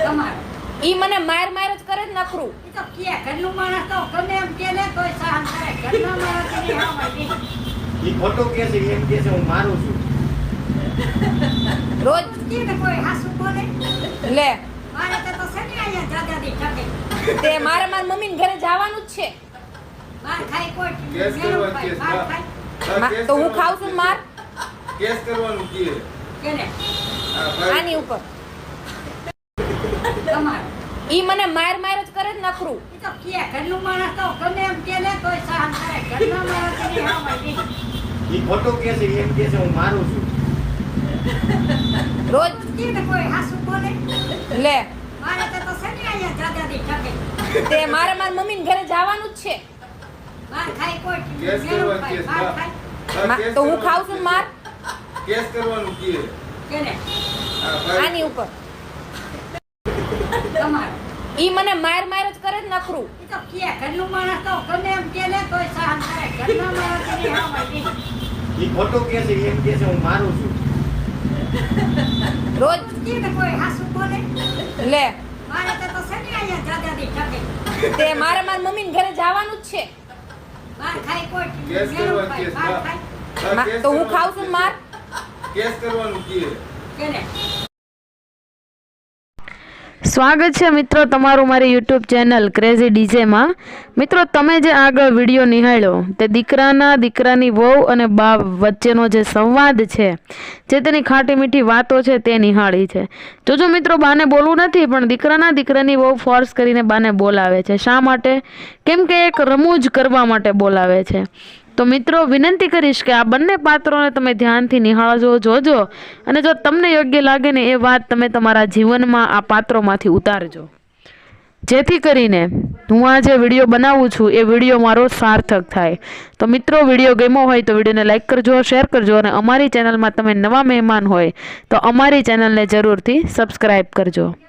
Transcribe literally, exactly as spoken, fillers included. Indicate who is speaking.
Speaker 1: તમારો
Speaker 2: ઈ મને માર માર જ કરે જ નખરું.
Speaker 1: ઈ તો કે ઘરનું માણસ તો ગમે એમ કે ને તોય સહન કરે. ઘરના માણસ ની હામાં નહીં.
Speaker 3: ઈ ખોટો કે છે એમ કે છે હું મારું છું.
Speaker 2: રોજ
Speaker 1: કે ને કોઈ હાસુ બોલે
Speaker 2: લે
Speaker 1: મારે તો તો છે ને અહીંયા દાદાની ટકે
Speaker 2: તે મારે માર મમ્મી ઘરે જવાનું જ છે.
Speaker 1: માર ખાઈ કોઈ
Speaker 4: કેસ
Speaker 1: મેળો
Speaker 4: કરવા
Speaker 1: ખાય,
Speaker 4: કેસ
Speaker 1: માર
Speaker 4: હા.
Speaker 1: ખાય
Speaker 4: હા,
Speaker 2: મા-
Speaker 4: કેસ
Speaker 2: તો હું
Speaker 4: કરવાનું
Speaker 2: ખાઉં છું ને માર
Speaker 4: કેસ કરવાનું કહે.
Speaker 1: કે ને
Speaker 4: હા, ભાઈ.
Speaker 2: આની ઉપર.
Speaker 1: તમારો
Speaker 2: ઈ મને માર માર જ કરે જ નખરું.
Speaker 1: ઈ તો કે ઘરનું માણસ તો ગમે એમ કે ને તોય સહન કરે. ઘરના માણસ ની હામાં નહીં.
Speaker 3: ઈ ખોટો કે છે એમ કે છે હું મારું છું.
Speaker 2: રોજ
Speaker 1: કે ને કોઈ હાસુ બોલે
Speaker 2: લે
Speaker 1: મારે તો તો છે ને અહીંયા દાદાની ટકે
Speaker 2: તે મારે માર મમ્મી ઘરે જવાનું જ છે.
Speaker 1: માર ખાઈ કોઈ
Speaker 4: કેસ
Speaker 1: મેળો
Speaker 4: કરવા
Speaker 1: ખાય,
Speaker 4: કેસ
Speaker 1: માર
Speaker 4: હા.
Speaker 1: ખાય
Speaker 4: હા,
Speaker 2: મા-
Speaker 4: કેસ
Speaker 2: તો હું
Speaker 4: કરવાનું
Speaker 2: ખાઉં છું ને માર
Speaker 4: કેસ કરવાનું કહે.
Speaker 1: કે ને
Speaker 4: હા, ભાઈ.
Speaker 2: આની ઉપર.
Speaker 1: તમારો
Speaker 2: ઈ મને માર માર જ કરે જ નખરું.
Speaker 1: ઈ તો કે ઘરનું માણસ તો ગમે એમ કે ને તોય સહન કરે. ઘરના માણસ ની હામાં નહીં.
Speaker 3: ઈ ખોટો કે છે એમ કે છે હું મારું છું.
Speaker 2: રોજ
Speaker 1: કે ને કોઈ હાસુ બોલે
Speaker 2: લે
Speaker 1: મારે તો તો છે ને અહીંયા દાદાની ટકે
Speaker 2: તે મારે માર મમ્મી ઘરે જવાનું જ છે.
Speaker 1: માર ખાઈ કોઈ
Speaker 4: કેસ
Speaker 1: મેળો
Speaker 4: કરવા
Speaker 1: ખાય,
Speaker 4: કેસ
Speaker 1: માર
Speaker 4: હા.
Speaker 1: ખાય
Speaker 4: હા,
Speaker 2: મા-
Speaker 4: કેસ
Speaker 2: તો હું
Speaker 4: કરવાનું
Speaker 2: ખાઉં છું ને માર
Speaker 4: કેસ કરવાનું કહે.
Speaker 1: કે ને
Speaker 5: સ્વાગત છે મિત્રો તમારું મારી યુટ્યુબ ચેનલ ક્રેઝી ડીજેમાં. મિત્રો તમે જે આગળ વિડીયો નિહાળ્યો તે દીકરાના દીકરાની વહુ અને બાપ વચ્ચેનો જે સંવાદ છે, જે તેની ખાટી મીઠી વાતો છે તે નિહાળી છે. જોજો મિત્રો, બાને બોલવું નથી પણ દીકરાના દીકરાની વહુ ફોર્સ કરીને બાને બોલાવે છે. શા માટે? કેમ કે એક રમૂજ કરવા માટે બોલાવે છે. તો મિત્રો વિનંતી કરીશ કે આ બંને પાત્રોને તમે ધ્યાનથી નિહાળજો, જોજો, અને જો તમને યોગ્ય લાગે ને એ વાત તમે તમારા જીવનમાં આ પાત્રોમાંથી ઉતારજો, જેથી કરીને હું આ જે વિડીયો બનાવું છું એ વિડીયો મારો સાર્થક થાય. તો મિત્રો વિડીયો ગમ્યો હોય તો વિડીયોને લાઈક કરજો, શેર કરજો, અને અમારી ચેનલમાં તમે નવા મહેમાન હોય તો અમારી ચેનલને જરૂરથી સબસ્ક્રાઈબ કરજો.